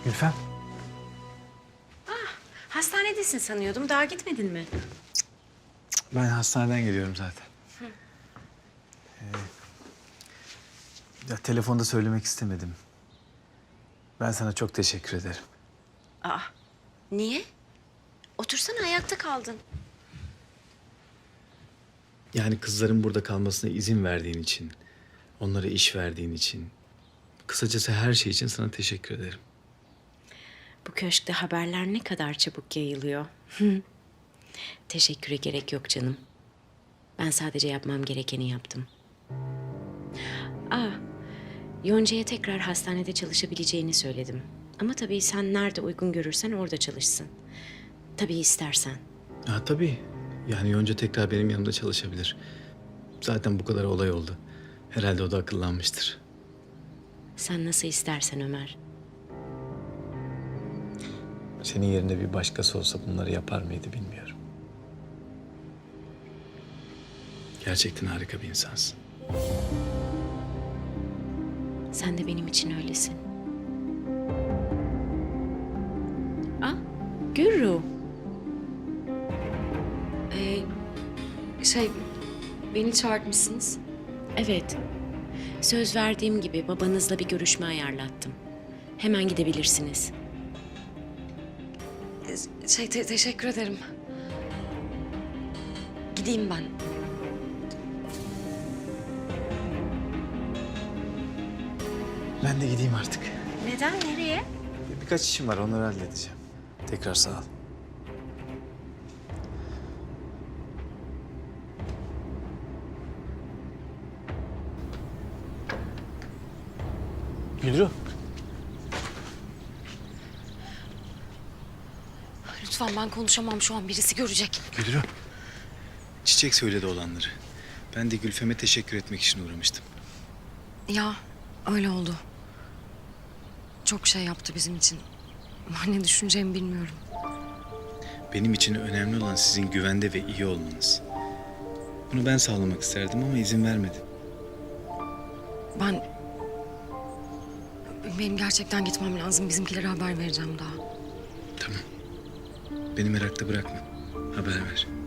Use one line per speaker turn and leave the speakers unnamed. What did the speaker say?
Gülfem.
Hastanedesin sanıyordum. Daha gitmedin mi?
Ben hastaneden geliyorum zaten. Ya telefonda söylemek istemedim. Ben sana çok teşekkür ederim.
Aa, niye? Otursana, ayakta kaldın.
Yani kızların burada kalmasına izin verdiğin için, onlara iş verdiğin için, kısacası her şey için sana teşekkür ederim.
Bu köşkte haberler ne kadar çabuk yayılıyor. Teşekküre gerek yok canım. Ben sadece yapmam gerekeni yaptım. Yonca'ya tekrar hastanede çalışabileceğini söyledim. Ama tabii sen nerede uygun görürsen orada çalışsın. Tabii istersen.
Ha tabii. Yani Yonca tekrar benim yanımda çalışabilir. Zaten bu kadar olay oldu. Herhalde o da akıllanmıştır.
Sen nasıl istersen Ömer.
Senin yerinde bir başkası olsa bunları yapar mıydı bilmiyorum. Gerçekten harika bir insansın.
Sen de benim için öylesin. Ah, Gürru.
Beni çağırtmışsınız.
Evet. Söz verdiğim gibi babanızla bir görüşme ayarlattım. Hemen gidebilirsiniz.
Teşekkür ederim. Gideyim ben.
Ben de gideyim artık.
Neden? Nereye?
Birkaç işim var, onları halledeceğim. Tekrar sağ ol. Gülru.
Lütfen, ben konuşamam şu an. Birisi görecek.
Gülru. Çiçek söyledi olanları. Ben de Gülfem'e teşekkür etmek için uğramıştım.
Ya öyle oldu. Çok şey yaptı bizim için. Ben ne düşüneceğimi bilmiyorum.
Benim için önemli olan sizin güvende ve iyi olmanız. Bunu ben sağlamak isterdim ama izin vermedin.
Benim gerçekten gitmem lazım. Bizimkilere haber vereceğim daha.
Tamam. Beni merakta bırakma. Haber ver.